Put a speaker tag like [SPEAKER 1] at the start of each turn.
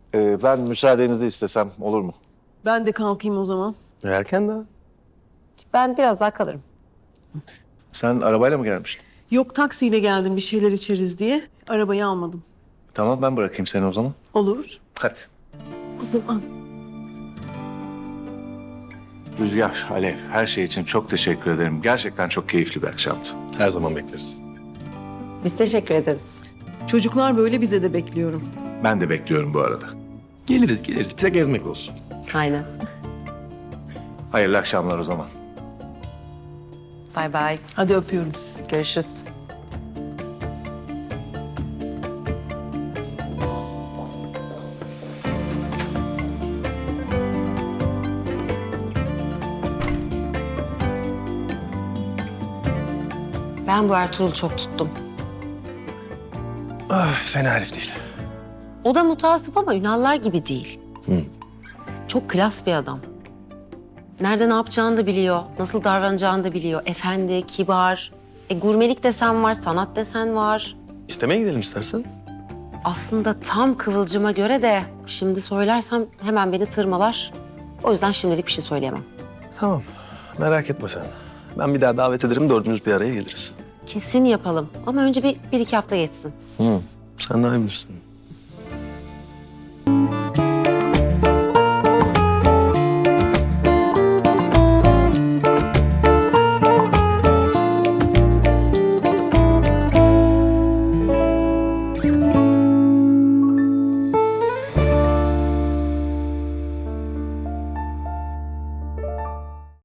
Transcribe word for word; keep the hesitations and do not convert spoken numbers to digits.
[SPEAKER 1] Ee, ben müsaadenizi istesem olur mu?
[SPEAKER 2] Ben de kalkayım o zaman.
[SPEAKER 3] Erken daha.
[SPEAKER 4] Ben biraz daha kalırım.
[SPEAKER 1] Sen arabayla mı gelmiştin?
[SPEAKER 2] Yok, taksiyle geldim bir şeyler içeriz diye. Arabayı almadım.
[SPEAKER 1] Tamam, ben bırakayım seni o zaman.
[SPEAKER 2] Olur.
[SPEAKER 1] Hadi.
[SPEAKER 2] O zaman.
[SPEAKER 1] Rüzgar, Alev, her şey için çok teşekkür ederim. Gerçekten çok keyifli bir akşamdı.
[SPEAKER 3] Her zaman bekleriz.
[SPEAKER 4] Biz teşekkür ederiz.
[SPEAKER 2] Çocuklar böyle, bize de bekliyorum.
[SPEAKER 1] Ben de bekliyorum bu arada.
[SPEAKER 3] Geliriz geliriz. Bize gezmek olsun.
[SPEAKER 4] Aynen.
[SPEAKER 1] Hayırlı akşamlar o zaman.
[SPEAKER 4] Bay bay.
[SPEAKER 2] Hadi öpüyorum sizi.
[SPEAKER 4] Görüşürüz. Ben bu Ertuğrul'u çok tuttum.
[SPEAKER 3] Ah, fena herif değil.
[SPEAKER 4] O da mutasip ama Ünallar gibi değil.
[SPEAKER 3] Hı.
[SPEAKER 4] Çok klas bir adam. Nerede ne yapacağını da biliyor, nasıl davranacağını da biliyor. Efendi, kibar. E, gurmelik desen var, sanat desen var.
[SPEAKER 3] İstemeye gidelim istersen.
[SPEAKER 4] Aslında tam Kıvılcım'a göre de şimdi söylersem hemen beni tırmalar. O yüzden şimdilik bir şey söyleyemem.
[SPEAKER 3] Tamam. Merak etme sen. Ben bir daha davet ederim. Dördümüz bir araya geliriz.
[SPEAKER 4] Kesin yapalım ama önce bir, bir iki hafta geçsin.
[SPEAKER 3] Hı. Sen daha iyi bilirsin.